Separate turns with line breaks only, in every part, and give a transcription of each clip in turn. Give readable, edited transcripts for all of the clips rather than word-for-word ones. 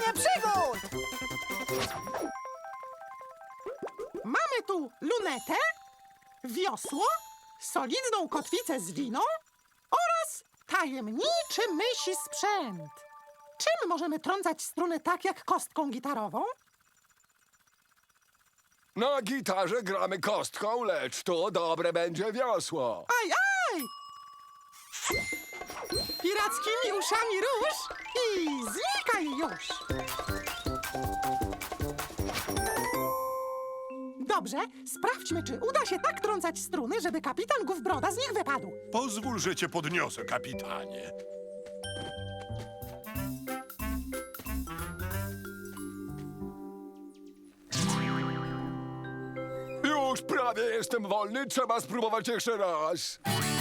przygód!
Mamy tu lunetę, wiosło, solidną kotwicę z liną oraz tajemniczy mysi sprzęt. Czym możemy trącać struny tak jak kostką gitarową?
Na gitarze gramy kostką, lecz to dobre będzie wiosło.
Aj, aj! Pirackimi uszami rusz i znikaj już! Dobrze, sprawdźmy, czy uda się tak trącać struny, żeby kapitan Gówbroda z nich wypadł.
Pozwól, że cię podniosę, kapitanie.
Już prawie jestem wolny, trzeba spróbować jeszcze raz.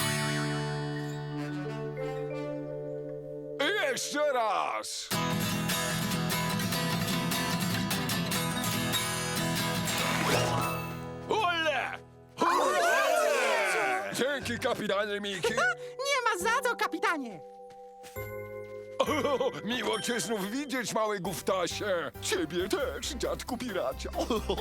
I jeszcze raz. Ole! Dzięki, kapitanie Miki.
Nie ma za co, kapitanie!
O, miło cię znów widzieć, mały gówtasie. Ciebie też, dziadku piracie.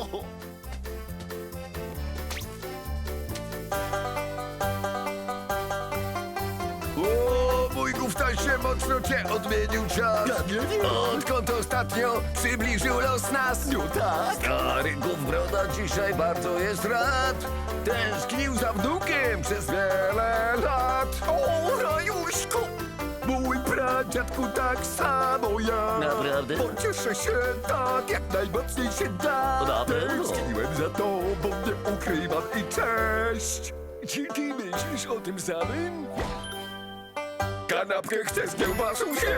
O, mój gówtasie mocno cię odmienił czas.
Ja nie wiem.
Odkąd ostatnio przybliżył los nas.
No tak.
Stary Gówbroda dzisiaj bardzo jest rad. Tęsknił za wnukiem przez wiele lat. O, rajuśku! Mój pradziadku tak samo ja.
Naprawdę?
Pocieszę się tak, jak najmocniej się da.
Na pewno.
Tęskniłem za tobą, nie ukrywam i cześć.
Czy ty myślisz o tym samym? Kanapkę chcę z kiełbasą zjeść!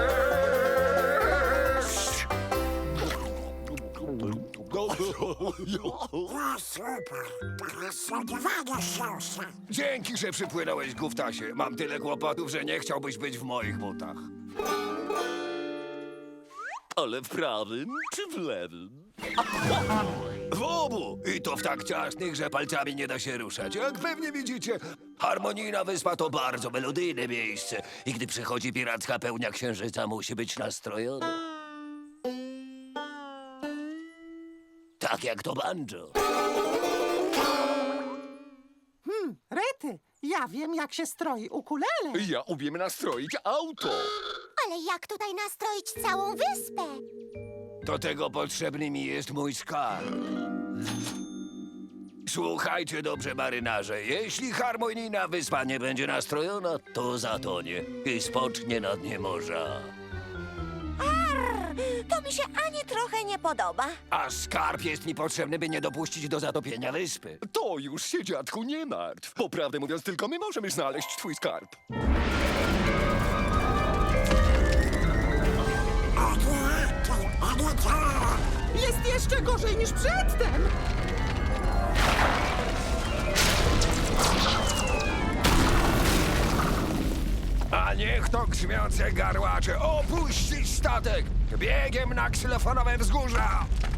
Dzięki, że przypłynąłeś, gówtasie. Mam tyle kłopotów, że nie chciałbyś być w moich butach.
Ale w prawym czy w lewym?
W obu! I to w tak ciasnych, że palcami nie da się ruszać. Jak pewnie widzicie, Harmonijna Wyspa to bardzo melodyjne miejsce. I gdy przychodzi piracka pełnia księżyca, musi być nastrojona. Tak jak to banjo.
Rety, ja wiem, jak się stroi ukulele.
Ja umiem nastroić auto.
Ale jak tutaj nastroić całą wyspę?
Do tego potrzebny mi jest mój skarb. Słuchajcie dobrze, marynarze. Jeśli Harmonijna Wyspa nie będzie nastrojona, to zatonie i spocznie na dnie morza.
To mi się ani trochę nie podoba.
A skarb jest mi potrzebny, by nie dopuścić do zatopienia wyspy. To już się, dziadku, nie martw. Bo prawdę mówiąc, tylko my możemy znaleźć twój skarb.
Jest jeszcze gorzej niż przedtem.
A niech to grzmiące garłacze opuścić statek! Biegiem na ksylofonowe wzgórza!